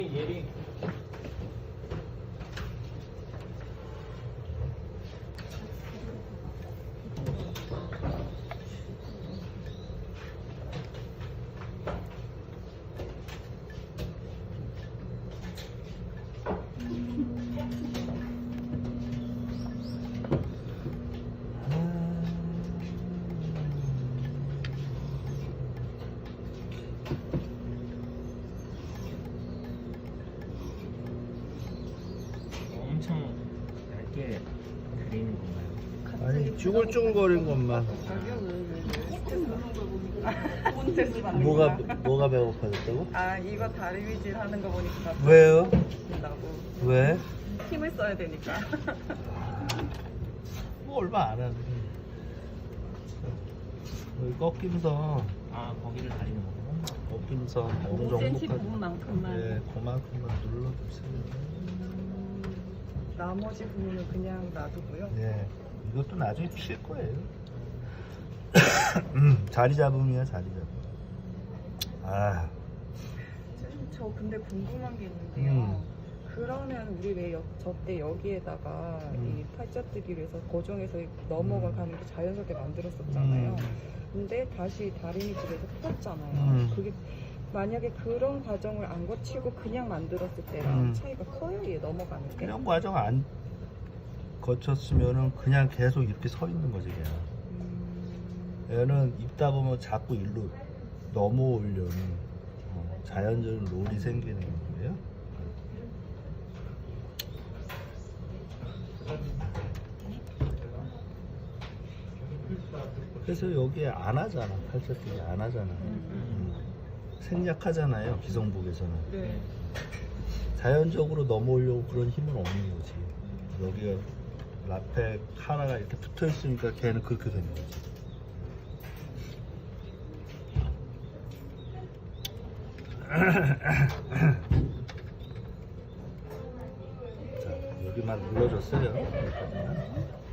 예리. 엄청 얇게 그리는 건가요? 아니 쭈글쭈글거린 것만. 뭐가 배고파졌다고? 아 이거 다리미질 하는 거 보니까 왜요? 나고 왜? 힘을 써야 되니까. 뭐 얼마 안 하네. 여기 꺾임선, 아 거기를 다리는 거구나. 꺾임선 어느 5cm 정도까지? 부분만큼만. 네, 그만큼만 눌러주세요. 나머지 부분은 그냥 놔두고요. 네, 이것도 나중에 필 거예요. 자리 잡음이야, 자리 잡음. 아, 선생님, 저 근데 궁금한 게 있는데요. 음. 그러면 우리 왜 저때 여기에다가 이 팔자뜨기를 해서 고정해서 넘어가는 게 자연스럽게 만들었었잖아요. 근데 다시 다리미질에서 풀었잖아요. 그게 만약에 그런 과정을 안 거치고 그냥 만들었을 때랑 차이가 커요? 얘 넘어가는 게? 이런 과정 안 거쳤으면은 그냥 계속 이렇게 서 있는 거지, 그냥. 얘는 입다 보면 자꾸 일로 넘어오려는 자연적인 롤이 생기는 거예요. 그래서 여기에 안 하잖아, 팔자뜨기 안 하잖아. 생략하잖아요, 기성복에서는. 네. 자연적으로 넘어오려고 그런 힘은 없는 거지. 여기가 라페 하나가 이렇게 붙어 있으니까 걔는 그렇게 되는 거지. 자, 여기만 눌러줬어요.